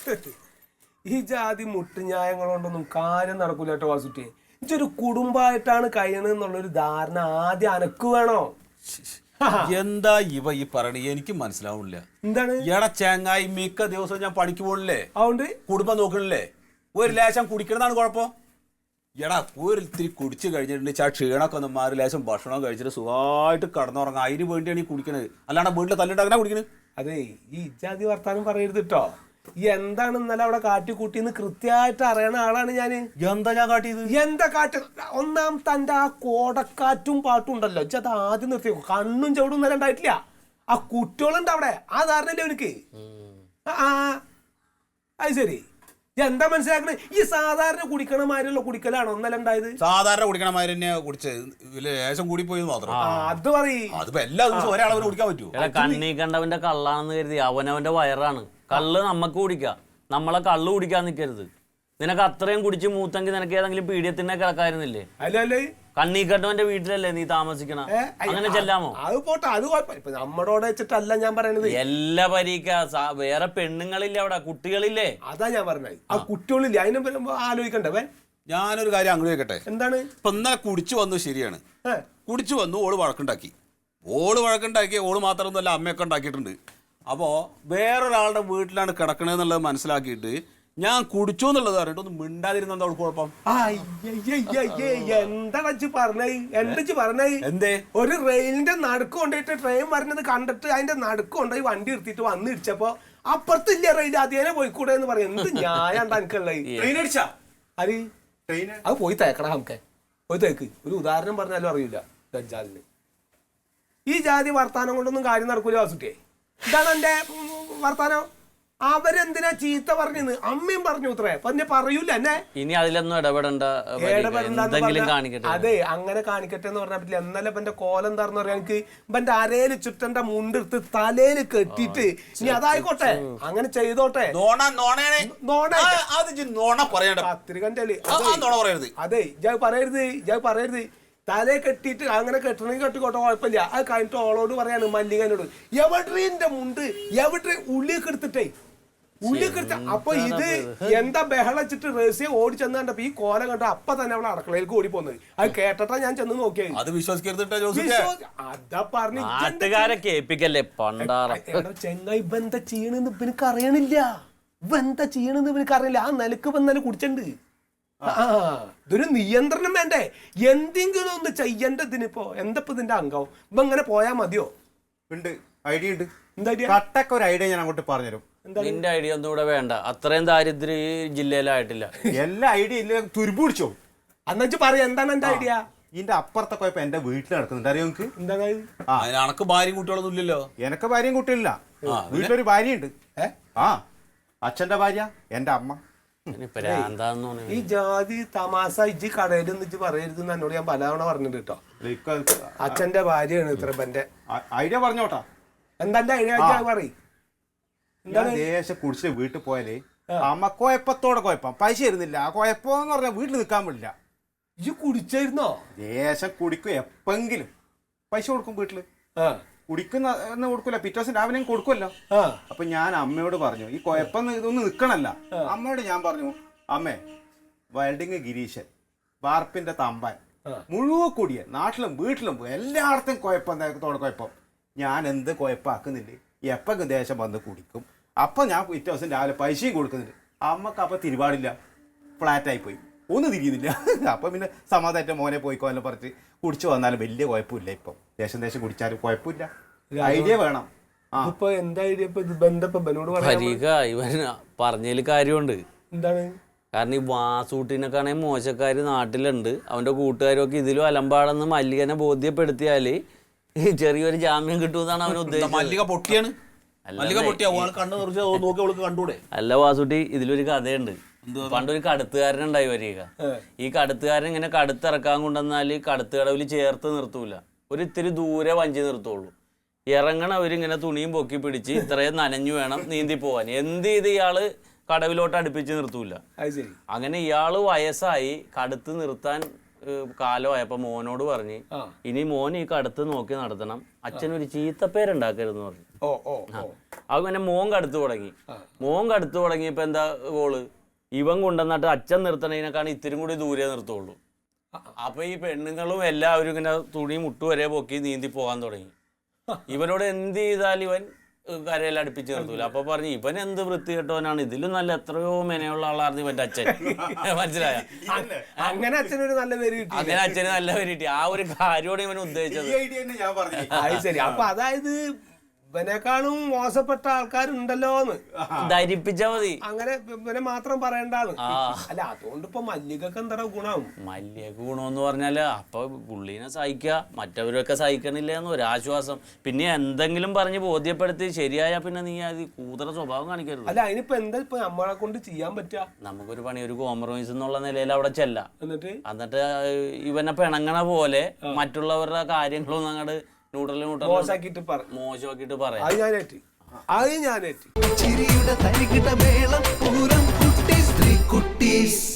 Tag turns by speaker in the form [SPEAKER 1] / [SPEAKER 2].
[SPEAKER 1] ഈ ജാതി മുട്ടുന്യായങ്ങൾ കൊണ്ടൊന്നും കാര്യം നടക്കൂല കേട്ടോ വാസുട്ടി. ഇതൊരു കുടുംബമായിട്ടാണ് കഴിയണെന്നുള്ളൊരു ധാരണ ആദ്യം അനക്ക് വേണോ?
[SPEAKER 2] എന്താ ഇവ ഈ പറയണ എനിക്ക് മനസ്സിലാവില്ല.
[SPEAKER 1] എന്താണ്
[SPEAKER 2] എടാ ചെങ്ങായി, മിക്ക ദിവസവും ഞാൻ പണിക്ക് പോകണില്ലേ,
[SPEAKER 1] അതുകൊണ്ട്
[SPEAKER 2] കുടുംബം നോക്കണില്ലേ, ഒരു ലേശം കുടിക്കണതാണ് കുഴപ്പം. എടാ ഒരു ഇത്തിരി കുടിച്ച് കഴിഞ്ഞിട്ടുണ്ടെങ്കിൽ ആ ക്ഷീണമൊക്കെ ഒന്ന് മാറി ലേശം ഭക്ഷണം കഴിച്ചിട്ട് സുഖമായിട്ട് കടന്നുറങ്ങാം. അതിന് വേണ്ടിയാണ് ഈ കുടിക്കണത്, അല്ലാണ്ട് വീട്ടിൽ തല്ലിട്ട് കുടിക്കണത്.
[SPEAKER 1] അതെ, ഈ ഇജാതി വർത്താനം പറയരുത് കേട്ടോ. ഈ എന്താണ് ഇന്നലെ അവിടെ കാട്ടിക്കൂട്ടിന്ന് കൃത്യമായിട്ട് അറിയണ ആളാണ് ഞാന്.
[SPEAKER 2] എന്താ ഞാൻ കാട്ടിയത്?
[SPEAKER 1] എന്താ കാറ്റ്? ഒന്നാം തന്റെ ആ കോടക്കാറ്റും പാട്ടും ഉണ്ടല്ലോ, അത് ആദ്യം നിർത്തി. കണ്ണും ചവിടും ഇന്നലെ ഉണ്ടായിട്ടില്ല. ആ കുട്ടികളുണ്ട് അവിടെ, ആ ധാരണല്ലേ എനിക്ക്. അത് ശരി, എന്താ മനസ്സിലാക്കണേ? ഈ സാധാരണ കുടിക്കണമാരുള്ള കുടിക്കലാണോ ഒന്നല്ല ഉണ്ടായത്?
[SPEAKER 2] സാധാരണ കുടിക്കണമാര് തന്നെ കുടിച്ചത്, ലേശം കൂടി പോയി മാത്രം.
[SPEAKER 1] അത് പറയും.
[SPEAKER 2] അതിപ്പോ എല്ലാ ദിവസവും ഒരാളവന് കുടിക്കാൻ പറ്റുമോ?
[SPEAKER 3] കണ്ണീ കണ്ടവന്റെ കള്ളാണെന്ന് കരുതി അവനവന്റെ വയറാണ്. കള്ള് നമ്മക്ക് കുടിക്കാം, നമ്മളെ കള്ള് കുടിക്കാൻ നിൽക്കരുത്. നിനക്ക് അത്രയും കുടിച്ച് മൂത്തെങ്കിൽ നിനക്ക് ഏതെങ്കിലും പീഡിയത്തിനെ കിടക്കായിരുന്നില്ലേ?
[SPEAKER 1] അല്ലേ,
[SPEAKER 3] കണ്ണീ കണ്ടവന്റെ വീട്ടിലല്ലേ നീ താമസിക്കണ? അങ്ങനെ ചെല്ലാമോ?
[SPEAKER 1] അത് പോട്ടെ, അത് കുഴപ്പമില്ല. നമ്മളോട് വെച്ചിട്ടല്ല ഞാൻ പറയണത്.
[SPEAKER 3] എല്ലാ പരീക്ക വേറെ പെണ്ണുങ്ങളില്ലേ അവിടെ, കുട്ടികളില്ലേ?
[SPEAKER 1] അതാ ഞാൻ പറഞ്ഞത്. ആ കുട്ടികളില്ലേ, അതിനെ ആലോചിക്കണ്ടേ?
[SPEAKER 2] ഞാനൊരു കാര്യം അങ്ങോട്ട് കേൾക്കട്ടെ.
[SPEAKER 1] എന്താണ്?
[SPEAKER 2] ഇപ്പൊ ഇന്നലെ കുടിച്ചു വന്നു, ശരിയാണ്. കുടിച്ചു വന്നു, ഓള് വഴക്കുണ്ടാക്കി. ഓള് മാത്രമൊന്നുമല്ല, അമ്മയൊക്കെ ഉണ്ടാക്കിയിട്ടുണ്ട്. അപ്പോൾ വേറൊരാളുടെ വീട്ടിലാണ് കിടക്കണേന്നുള്ളത് മനസ്സിലാക്കിയിട്ട് ഞാൻ കുടിച്ചു എന്നുള്ളത് പറഞ്ഞിട്ട് ഒന്ന് മിണ്ടാതിരുന്ന എന്താ കുഴപ്പം?
[SPEAKER 1] എന്താ പറഞ്ഞേ?
[SPEAKER 2] എന്തേ?
[SPEAKER 1] ഒരു റെയിലിന്റെ നടുക്ക് കൊണ്ടുപോയിട്ട് ട്രെയിൻ വരുന്നത് കണ്ടിട്ട് അതിന്റെ നടുക്ക് കൊണ്ടുപോയി വണ്ടി എടുത്തിട്ട് വന്ന് ഇടിച്ചപ്പോ അപ്പുറത്തില്ല റെയിൽ, അതേനെ പോയിക്കൂടെ എന്ന് പറയും. എന്ത് ന്യായം എനിക്കുള്ളത്? അത് പോയി തേക്കടാ, നമുക്ക് പോയി തേക്ക്. ഒരു ഉദാഹരണം പറഞ്ഞാലും അറിയില്ല ദജ്ജാലിന്. ഈ ജാതി വർത്താനം കൊണ്ടൊന്നും കാര്യം നടക്കൂല വാസുട്ടിയെ. ഇതാണ് എന്റെ വർത്താനം. അവരെന്തിനാ ചീത്ത പറഞ്ഞത്? അമ്മയും പറഞ്ഞു ഇത്രേ, പിന്നെ പറയൂല എന്നെ.
[SPEAKER 3] ഇനി അതിലൊന്നും ഇടപെടണ്ട.
[SPEAKER 1] അതെ, അങ്ങനെ കാണിക്കട്ടെ എന്ന് പറഞ്ഞാൽ പറ്റില്ല. എന്നാലും ഇവന്റെ കോലം എന്താന്ന് പറയാൻ, എനിക്ക് ഇവന്റെ അരയില് ചുറ്റന്റെ മുണ്ടെടുത്ത് തലയില് കെട്ടിയിട്ട് ഇനി അതായിക്കോട്ടെ, അങ്ങനെ ചെയ്തോട്ടെ. പത്രികന്റെ അതെ, പറയരുത്. തലയെ കെട്ടിയിട്ട് അങ്ങനെ കെട്ടണമെങ്കിൽ കെട്ടിക്കോട്ടെ, കുഴപ്പമില്ല. അത് കഴിഞ്ഞിട്ട് ഓളോട് പറയാണ്, മല്ലികനോട്, എവിടെന്റെ മുണ്ട്, എവിടെ ഉള്ളിയൊക്കെ എടുത്തിട്ടേ, ഉള്ളിയൊക്കെ എടുത്ത. അപ്പൊ ഇത് എന്താ ബഹളച്ചിട്ട് റേസിയെ ഓടി ചെന്ന് കണ്ടപ്പോ ഈ കോലം കണ്ട അപ്പൊ തന്നെ അവളെ അടുക്കളയിലേക്ക് ഓടി പോകുന്നത്. അത് കേട്ടിട്ടാ ഞാൻ ചെന്ന് നോക്കിയത്.
[SPEAKER 2] അത് വിശ്വസിക്കരുത്.
[SPEAKER 1] അതാ പറഞ്ഞു
[SPEAKER 3] ചെങ്ങായി.
[SPEAKER 1] ഇവെന്താ ചെയ്യണെന്ന് ഇവനക്ക് അറിയണില്ല. ഇവെന്താ ചെയ്യണെന്ന് ഇവനക്ക് അറിയില്ല. ആ നിലക്ക് ഇന്നലെ കുടിച്ചിട്ടുണ്ട്. ഇതൊരു നിയന്ത്രണം വേണ്ടേ? എന്തെങ്കിലും ഒന്ന് ചെയ്യേണ്ടതിനിപ്പോ എന്തപ്പോ ഇതിന്റെ അംഗം? ഇപ്പൊ ഇങ്ങനെ പോയാ മതിയോ?
[SPEAKER 4] ഉണ്ട്, ഐഡിയ ഉണ്ട്. എന്താ കട്ടൊക്കെ ഒരു ഐഡിയ ഞാൻ അങ്ങോട്ട് പറഞ്ഞുതരും.
[SPEAKER 3] നിന്റെ ഐഡിയ ഒന്നും ഇവിടെ വേണ്ട. അത്രയും ദാരിദ്ര്യം ഈ ജില്ലയിലായിട്ടില്ല.
[SPEAKER 4] എല്ലാ ഐഡിയ ഇല്ല, തുരുമ്പ് പിടിച്ചോ.
[SPEAKER 1] അന്നു പറയാ, എന്താണ് എന്റെ ഐഡിയ?
[SPEAKER 4] ഇതിന്റെ അപ്പുറത്തെ കുഴപ്പം എന്റെ വീട്ടിൽ നടക്കുന്നുണ്ട്, അറിയോ നിങ്ങക്ക്?
[SPEAKER 1] എന്താണ്?
[SPEAKER 2] എനക്ക് ഭാര്യയും കുട്ടികളൊന്നും ഇല്ലല്ലോ.
[SPEAKER 4] എനക്ക് ഭാര്യയും കുട്ടികളില്ല. വീട്ടിലൊരു ഭാര്യയുണ്ട്. അച്ഛന്റെ ഭാര്യ, എന്റെ അമ്മ.
[SPEAKER 1] ഈ ജാതി തമാശ ഇജ്ജ് കടയിൽ നിന്ന് പറയരുത് എന്നോട് ഞാൻ പലതവണ പറഞ്ഞിട്ടുണ്ട് കേട്ടോ. അച്ഛന്റെ ഭാര്യയാണ് ഇത്ര.
[SPEAKER 4] ഐഡിയ പറഞ്ഞോട്ടാ.
[SPEAKER 1] എന്താ ഐഡിയ? പറയും.
[SPEAKER 4] ദേശം കുടിച്ച് വീട്ടിൽ പോയാലേ അമ്മ കുഴപ്പത്തോടെ കുഴപ്പം, പൈസ തരുന്നില്ല. ആ കുഴപ്പമെന്ന് പറഞ്ഞാൽ വീട്ടിൽ നിൽക്കാൻ പറ്റില്ല.
[SPEAKER 1] ഇജ്ജ് കുടിച്ചായിരുന്നോ?
[SPEAKER 4] ദേശം കുടിക്കും, എപ്പെങ്കിലും പൈസ കൊടുക്കും വീട്ടില്. കുടിക്കുന്ന കൊടുക്കൂല, പിറ്റേ ദിവസം രാവിലെ കൊടുക്കുമല്ലോ. അപ്പൊ ഞാൻ അമ്മയോട് പറഞ്ഞു, ഈ കുഴപ്പം ഇതൊന്നും നിക്കണല്ല. അമ്മയോട് ഞാൻ പറഞ്ഞു, അമ്മേ വെൽഡിങ് ഗിരീശൻ, വാർപ്പിന്റെ തമ്പാൻ, മുഴുവൻ കൂടിയ നാട്ടിലും വീട്ടിലും എല്ലായിടത്തും കുഴപ്പം. ഞാൻ എന്ത് കുഴപ്പമാക്കുന്നില്ലേ? എപ്പം ദേശം വന്ന് കുടിക്കും. അപ്പൊ ഞാൻ പിറ്റേ ദിവസം രാവിലെ പൈസയും കൊടുക്കുന്നുണ്ട്. അമ്മക്ക് അപ്പൊ തിരുപാടില്ല, ഫ്ലാറ്റായി പോയി, ഒന്നും തിരിയുന്നില്ല. അപ്പൊ പിന്നെ സമാധാനത്തെ മോനെ പോയിക്കോന്ന് പറഞ്ഞിട്ട് കുടിച്ചു വന്നാലും വലിയ കുഴപ്പമില്ല. ഇപ്പം ദേശം കുടിച്ചാലും കുഴപ്പമില്ല. ഐഡിയ വേണം.
[SPEAKER 3] ഇവൻ പറഞ്ഞതിൽ കാര്യമുണ്ട്.
[SPEAKER 1] എന്താണ്?
[SPEAKER 3] കാരണം ഈ വാസൂട്ടിനൊക്കെയാണെങ്കിൽ മോശക്കാര് നാട്ടിലുണ്ട്. അവന്റെ കൂട്ടുകാരൊക്കെ ഇതിലും അലമ്പാടെന്ന് മല്ലികനെ ബോധ്യപ്പെടുത്തിയാല് ചെറിയൊരു ജാമ്യം കിട്ടുമെന്നാണ് അവൻ ഉദ്ദേശിച്ചത്.
[SPEAKER 2] മല്ലിക പൊട്ടിയാണ്.
[SPEAKER 3] അല്ല വാസൂട്ടി, ഇതിലൊരു കഥയുണ്ട്. പണ്ടൊരു കടുത്തുകാരനുണ്ടായി വരിക. ഈ കടുത്തുകാരൻ ഇങ്ങനെ കടുത്തിറക്കാൻ കൊണ്ടുവന്നാല് കടുത്തുകടവിൽ ചേർത്ത് നിർത്തൂല, ഒരു ഇത്തിരി ദൂരെ വഞ്ചി നിർത്തുള്ളൂ. ഇറങ്ങണവരിങ്ങനെ തുണിയും പൊക്കി പിടിച്ച് ഇത്രയും നനഞ്ഞു വേണം നീന്തി പോവാൻ. എന്ത് ചെയ്ത് ഇയാള് കടവിലോട്ട് അടുപ്പിച്ച് നിർത്തൂല. അങ്ങനെ ഇയാള് വയസ്സായി, കടുത്ത് നിർത്താൻ കാലമായപ്പോ മോനോട് പറഞ്ഞ്, ഇനി മോൻ ഈ കടുത്ത് നോക്കി നടത്തണം, അച്ഛനൊരു ചീത്തപ്പേരുണ്ടാക്കരുതെന്ന് പറഞ്ഞു.
[SPEAKER 1] ഓ ഓ ഓ
[SPEAKER 3] അങ്ങനെ മോൻ കടുത്തു തുടങ്ങിയപ്പോ എന്താ ഗോള്, ഇവൻ കൊണ്ടുവന്നിട്ട് അച്ഛൻ നിർത്തണതിനേക്കാണ് ഇത്തിരി കൂടി ദൂരെ നിർത്തുള്ളൂ. അപ്പൊ ഈ പെണ്ണുങ്ങളും എല്ലാവരും ഇങ്ങനെ തുണി മുട്ടുവരെ പൊക്കി നീന്തി പോകാൻ തുടങ്ങി. ഇവനോട് എന്ത് ചെയ്താലും ഇവൻ കരയിൽ അടുപ്പിച്ച് നിർത്തൂല. അപ്പൊ പറഞ്ഞു ഇവൻ എന്ത് വൃത്തി കെട്ടവനാണ്, ഇതിലും നല്ല എത്രയോ മെനയുള്ള ആളായിരുന്നു ഇവന്റെ അച്ഛൻ. മനസ്സിലായ?
[SPEAKER 1] അങ്ങനെ അച്ഛനൊരു നല്ല പേര് കിട്ടി.
[SPEAKER 3] അങ്ങനെ അച്ഛന് നല്ല പേര് കിട്ടി. ആ ഒരു കാര്യമാണ് ഇവൻ ഉദ്ദേശിച്ചത്.
[SPEAKER 1] അത് ശരി. അപ്പൊ അതായത് ഇവനെക്കാളും മോശപ്പെട്ട ആൾക്കാരുണ്ടല്ലോന്ന്
[SPEAKER 3] ധരിപ്പിച്ചാ മതി.
[SPEAKER 1] അങ്ങനെ ഇവനെ മാത്രം പറയണ്ടാന്ന്. അല്ല അതുകൊണ്ട് ഇപ്പൊ മല്ലികൊക്കെ എന്താ ഗുണം?
[SPEAKER 3] മല്ലിക ഗുണമെന്ന് പറഞ്ഞാല് അപ്പൊ പുള്ളീനെ സഹിക്കുക, മറ്റവരൊക്കെ സഹിക്കണില്ല എന്ന് ഒരാശ്വാസം. പിന്നെ എന്തെങ്കിലും പറഞ്ഞ് ബോധ്യപ്പെടുത്തി ശരിയായ പിന്നെ നീ അത് കൂതറ സ്വഭാവം കാണിക്കരുത്.
[SPEAKER 1] അല്ല അതിനിപ്പോ എന്താ ഇപ്പൊ നമ്മളെ കൊണ്ട് ചെയ്യാൻ പറ്റുക?
[SPEAKER 3] നമുക്കൊരു പണി, ഒരു കോംപ്രമൈസ് എന്നുള്ള നിലയിൽ അവിടെ ചെല്ലാം.
[SPEAKER 1] എന്നിട്ട്
[SPEAKER 3] ഇവനെ പിണങ്ങണ പോലെ മറ്റുള്ളവരുടെ കാര്യങ്ങളൊന്നും അങ്ങോട്ട്
[SPEAKER 1] മോശമാക്കിട്ട്
[SPEAKER 3] പറയാം.
[SPEAKER 1] അത് ഞാനേറ്റ്
[SPEAKER 5] ചിരിയുടെ തരികിട മേളം പൂരം കുട്ടീസ് 3 കുട്ടീസ്.